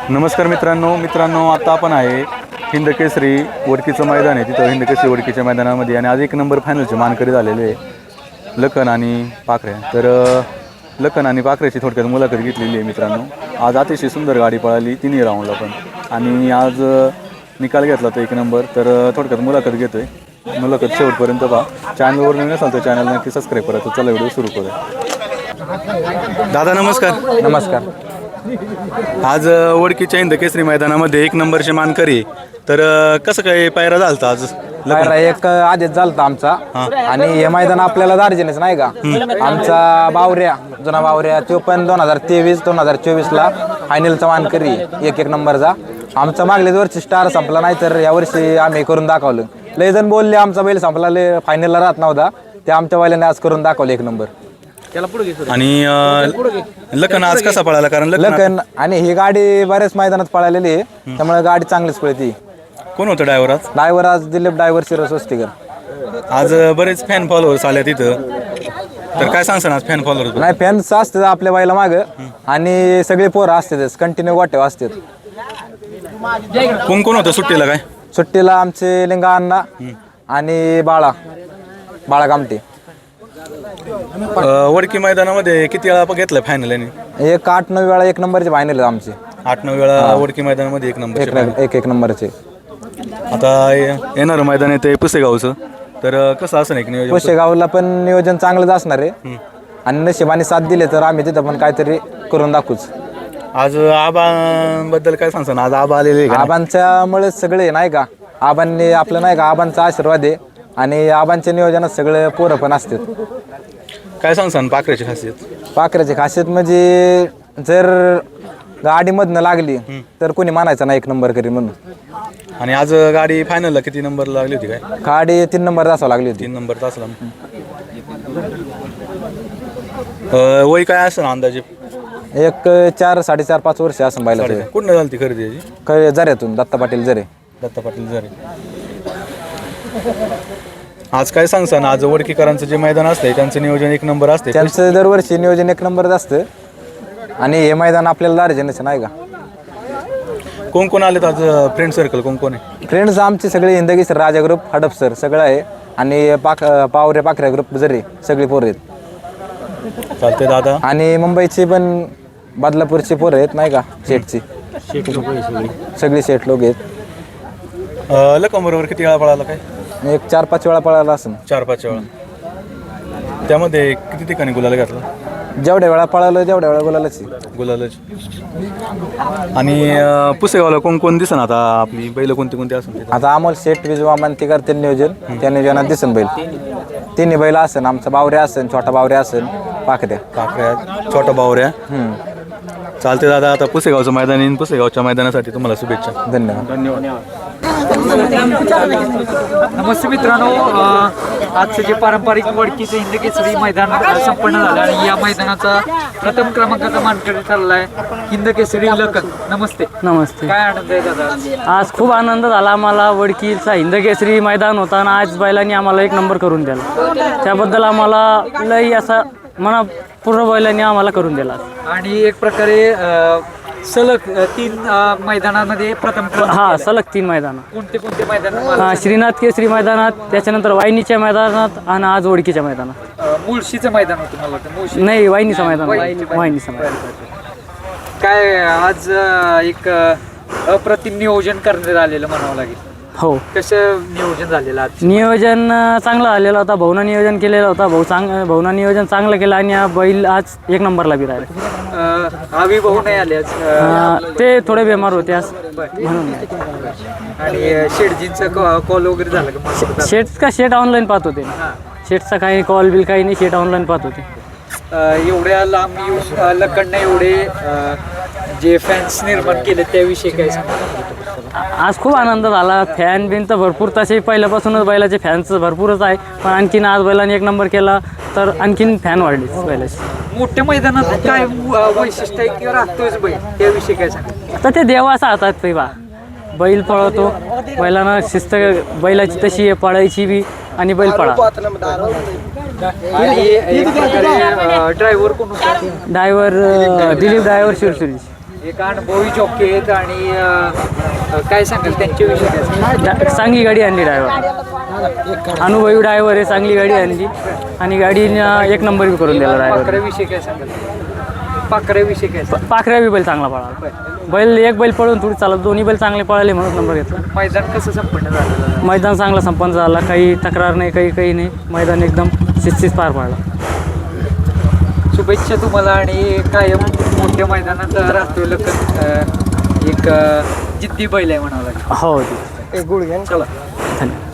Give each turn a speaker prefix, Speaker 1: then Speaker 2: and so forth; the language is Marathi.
Speaker 1: नमस्कार मित्रांनो आता आपण आहे हिंद केसरी वडकीचं मैदान आहे. तिथं हिंद केसरी वडकीच्या मैदानामध्ये आणि आज 1 नंबर फायनलचे मानकरी झालेले आहे लखन आणि पाखरे. तर लखन आणि पाखरेची थोडक्यात मुलाखत घेतलेली आहे मित्रांनो. आज अतिशय सुंदर गाडी पळाली तिन्ही राऊंडला पण, आणि आज निकाल घेतला तो 1 नंबर. तर थोडक्यात मुलाखत घेतोय, मुलाखत शेवटपर्यंत पहा. चॅनलवर नवीन असाल तर चॅनल नक्की सबस्क्राईब करा. तर चला व्हिडिओ सुरू करूया. दादा नमस्कार.
Speaker 2: नमस्कार.
Speaker 1: आज वडकीच्या हिंद केसरी मैदानामध्ये 1 नंबरचे मानकरी. तर कसं काय पायरा झालता आज?
Speaker 2: पायरा एक आधीच झालता आमचा, आणि हे मैदान आपल्याला दार्जिलिंगच नाही का. आमचा बावऱ्या, जुना बावऱ्या, तो पण 2023-2024 ला फायनलचा मानकरी 1 नंबरचा. आमचा मागल्याच वर्षी स्टार संपला नाही, तर यावर्षी आम्ही करून दाखवलं. लय जण बोलले आमचा बैल संपला, लय फायनलला राहत नव्हता, ते आमच्या बैलाने आज करून दाखवलं 1 नंबर.
Speaker 1: आणि लखन आज कसा पळाला? कारण
Speaker 2: लखन आणि ही गाडी बऱ्याच मैदानात पळालेली आहे, त्यामुळे गाडी चांगलीच पळती.
Speaker 1: कोण होतं ड्रायव्हर आज?
Speaker 2: ड्रायव्हर आज दिलीप ड्रायव्हर शिरसोस्तीकर.
Speaker 1: आज बरेच फॅन फॉलोअर्स आले तिथं, तर काय सांगसान आज फॅन फॉलोअर्स?
Speaker 2: नाही, फॅन्स असतात आपल्या बाईला मागं, आणि सगळे पोरं असतातच, कंटिन्यू गोट्या असतात.
Speaker 1: कोण होतं सुट्टीला? काय
Speaker 2: सुट्टीला आमचे लिंगा अण्णा आणि बाळा कामटे.
Speaker 1: वडकी मैदानामध्ये किती वेळा घेतलं फायनल?
Speaker 2: एक 8-9 वेळा 1 नंबरचे फायनल आमचे.
Speaker 1: 8-9 वेळा वडकी मैदानामध्ये 1 नंबर.
Speaker 2: एक नंबरचे.
Speaker 1: आता येणारं मैदान येते पुसेगावचं, तर कसं असं एक नियोजन?
Speaker 2: पुसेगावला पण नियोजन चांगलंच असणार आहे, आणि नशिबाने साथ दिले तर आम्ही तिथं पण काहीतरी करून दाखवूच.
Speaker 1: आज आबांबद्दल काय सांगसान? आज आबा आलेले?
Speaker 2: आबांच्यामुळे सगळे नाही का, आबांनी आपलं नाही का, आबांचा आशीर्वाद आहे, आणि आबांच्या नियोजनात सगळे पोरं पण असतात.
Speaker 1: काय सांगसान पाखऱ्याची खासियत?
Speaker 2: पाखऱ्याची खासियत म्हणजे जर गाडीमधनं लागली तर कोणी मानायचं नाही 1 नंबर करी म्हणून.
Speaker 1: आणि आज गाडी फायनलला किती नंबर लागली होती? काय
Speaker 2: गाडी 3 नंबर तासावं लागली होती.
Speaker 1: 3 नंबर तासला. वय काय असं अंदाजे?
Speaker 2: एक 4-4.5 वर्ष असं बायला.
Speaker 1: कुठं झाली ती खरेदी याची?
Speaker 2: जऱ्यातून दत्ता पाटील जरे.
Speaker 1: जरे. आज काय सांगसान? आज वडकीकरांचं जे मैदान असतंय त्यांचं नियोजन 1 नंबर असते.
Speaker 2: त्यांचं दरवर्षी नियोजन 1 नंबरच असतं, आणि हे मैदान आपल्याला दार्जिलिंगच नाही का.
Speaker 1: कोण आलेत आज फ्रेंड सर्कल? कोण आहे
Speaker 2: फ्रेंड्स? आमचे सगळे हिंदगी सर, राजा ग्रुप, हडपसर सगळं आहे, आणि पाखऱ्या ग्रुप जरी सगळी पोरं आहेत.
Speaker 1: चालते दादा.
Speaker 2: आणि मुंबईची पण बदलापूरची पोरं आहेत नाही का, शेठची सगळी शेठ लोक आहेत.
Speaker 1: लखन बरोबर किती वेळा पळाला? काय
Speaker 2: एक 4-5 वेळा पळाला असं.
Speaker 1: 4-5 वेळा. त्यामध्ये किती ठिकाणी गुलाल घातला?
Speaker 2: जेवढ्या वेळा पळालो तेवढ्या वेळा गुलालच.
Speaker 1: आणि पुसेगावला कोण दिसन आता आपली बैल कोणती असून?
Speaker 2: आता अमोल शेठ विजवामान ते करते नियोजन, त्या नियोजनात दिसन बैल. तिन्ही बैल असेल, आमचा बावऱ्या असेल, छोटा बावऱ्या असेल, पाखऱ्या,
Speaker 1: छोटा बावऱ्या. चालते दादा. आता पुसेगावचं मैदान येईन, पुसेगावच्या मैदानासाठी तुम्हाला शुभेच्छा.
Speaker 2: धन्यवाद.
Speaker 3: नमस्ते मित्रांनो, आजचं जे पारंपरिक वडकीचं हिंद केसरी मैदान संपन्न झालं, आणि या मैदानाचा प्रथम क्रमांकाचा मानकरी ठरलाय हिंद केसरी लखन. नमस्ते. काय आनंद आहे दादा?
Speaker 4: आज खूप आनंद झाला आम्हाला. वडकीचा हिंद केसरी मैदान होता, आणि आज बैलांनी आम्हाला 1 नंबर करून दिला, त्याबद्दल आम्हाला लई असा पूर्ण बैलांनी आम्हाला करून दिला.
Speaker 3: आणि एक प्रकारे सलग 3 मैदानामध्ये प्रथम
Speaker 4: सलग 3 मैदान.
Speaker 3: कोणते मैदान?
Speaker 4: श्रीनाथ केसरी मैदानात, त्याच्यानंतर वाहिनीच्या मैदानात, आणि आज वडकीच्या मैदानात.
Speaker 3: मुळशीचं मैदान होतं मला वाटतं.
Speaker 4: नाही, वाहिनीचं मैदान. वाहिनीचं मैदान.
Speaker 3: काय आज एक अप्रतिम नियोजन करण्यात आलेलं म्हणावं लागेल.
Speaker 4: हो.
Speaker 3: कसं नियोजन झालेलं आज?
Speaker 4: नियोजन चांगलं झालेलं होता. भाऊना नियोजन केलेलं होता. भाऊना नियोजन चांगलं केलं, आणि बैल आज 1 नंबरला बी राहिले.
Speaker 3: आवी भाऊ नाही आले आज,
Speaker 4: ते थोडे बेमार होते आज म्हणून.
Speaker 3: आणि शेठजींचा कॉल वगैरे झाला का?
Speaker 4: शेट ऑनलाईन पाहत होते. शेटचा काही कॉल बिल काही नाही, शेट ऑनलाईन पाहत होते.
Speaker 3: एवढ्या लांब येऊन लखनने एवढे जे फॅन्स निर्माण केले त्याविषयी काय सांगा?
Speaker 4: आज खूप आनंद झाला. फॅन बिन तर भरपूर, तसे पहिल्यापासूनच बैलाचे फॅन्स भरपूरच आहे, पण आणखीन आज बैलाने 1 नंबर केला तर आणखीन फॅन वाढले बैलाचे.
Speaker 3: मोठ्या मैदानात काय वैशिष्ट्य आहे किंवा राहतोच बैल, त्याविषयी काय सांगा?
Speaker 4: तर ते देवाचा हातात पैवा बैल पळवतो, बैलांना शिस्त बैलाची तशी आहे पळायची बी, आणि बैल पळा.
Speaker 3: आणि ड्रायव्हर कोण होता?
Speaker 4: Driver Dilip driver Shirsuri.
Speaker 3: एक अनुभवी जॉकी आहेत आणि काय सांगाल त्यांच्याविषयी काय सांगाल?
Speaker 4: चांगली गाडी आणली ड्रायव्हर, अनुभवी ड्रायव्हर आहे, चांगली गाडी आणली आणि गाडीनं एक नंबर बी करून दिला ड्रायव्हर.
Speaker 3: पाखऱ्याविषयी काय सांगाल? पाखऱ्याविषयी काय सांगाल?
Speaker 4: पाखऱ्या बी बैल चांगला पळाला. बैल एक बैल पळून थोडी चालत, दोन्ही बैल चांगले पळाले म्हणून नंबर घेतला.
Speaker 3: मैदान कसं संपन्न झालं?
Speaker 4: मैदान चांगला संपन्न झाला, काही तक्रार नाही, काही नाही. मैदान एकदम शिस्तीत पार पाडला.
Speaker 3: शुभेच्छा तुम्हाला आणि कायम मोठ्या मैदानात राहतोय लखन. एक जिद्दी बैल आहे म्हणावं लागेल.
Speaker 4: हो
Speaker 3: चला.
Speaker 4: धन्यवाद.